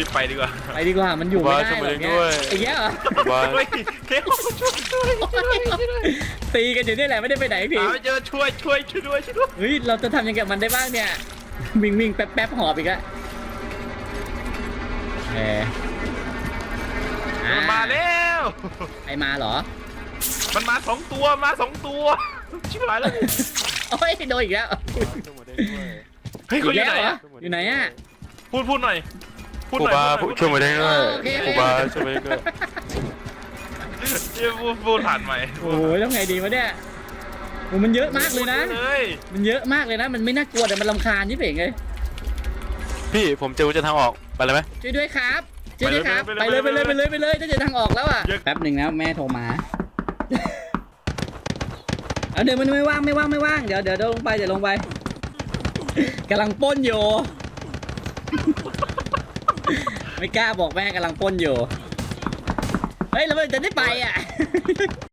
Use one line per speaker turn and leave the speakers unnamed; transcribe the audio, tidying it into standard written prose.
รีบไปดีกว่า
ไปดีกว่ามันอยู่ไม่ได้หรอกเนี่ยไอ้เงี้ยเหรอ
บ้าน
เฮ้ยเทลช่วย
ตีกันอยู่นี่แหละไม่ได้ไปไหนพี่
หาไม่เจอช่วยด้วย
เฮ้ยเราจะทำยังไงกับมันได้บ้างเนี่ยวิ่งแป๊บหอบอีกแล้ว
มันมาแล้ว
ไอมาเหรอ
มันมา2 ตัวชิบหายแล้ว
โอ้ยโดนอีกแล้ว
เฮ้ยเขาอยู่ไหน
เหร
อะ
อยู่ไหนอะ
พูดหน่อย
ครูบาช่วยมาได้ด้วย
โอเค
ครูบาช่วยมาได้ด้วย
พูดผ่านใหม่
โอ้ยแล้วไงดีวะเนี่ยโอ้มันเยอะมากเลยนะ มันเยอะมากเลยนะมันไม่น่ากลัวแต่มันรำคาญยิ่งเองเลย
พี่ผมเจอกุญแจทางออกไปเลยไหม
ช่วยด้วยครับช่วยด้วยครับไปเลยจะเจอทางออกแล้วอ่ะแป๊บหนึ่งนะแม่โทรมาเอาเดี๋ยวมันไม่ว่างเดี๋ยวลงไปกำลังปล้นอยู่ไม่กล้าบอกแม่กำลังปล้นอยู่เฮ้ยแล้วมันจะได้ไปอ่ะ